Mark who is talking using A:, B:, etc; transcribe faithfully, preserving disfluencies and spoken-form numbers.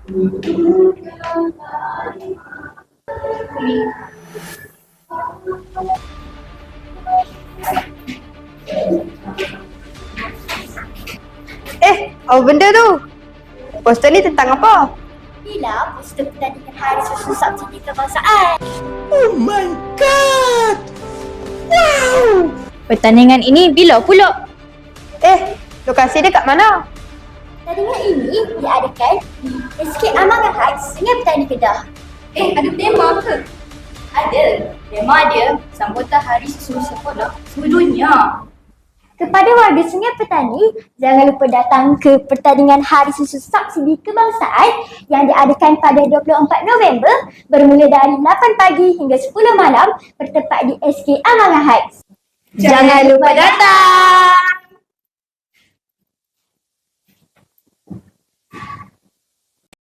A: Eh, apa benda tu? Poster ni tentang apa?
B: Inilah poster pertandingan Hari Susu Subsidi Kebangsaan.
C: Oh my god!
B: Wow! Pertandingan ini bila pula?
A: Eh, lokasi dia kat mana?
B: Pertandingan ini diadakan di S K Amangan Heights, Sungai Petani Kedah.
D: Eh, ada tema ke? Ada. Tema dia sambutan Hari Susu Sekolah sedunia.
B: Kepada warga Sungai Petani, jangan lupa datang ke pertandingan Hari Susu Subsidi Kebangsaan yang diadakan pada dua puluh empat November bermula dari lapan pagi hingga sepuluh malam bertempat di S K Amangan Heights.
A: Jangan lupa datang!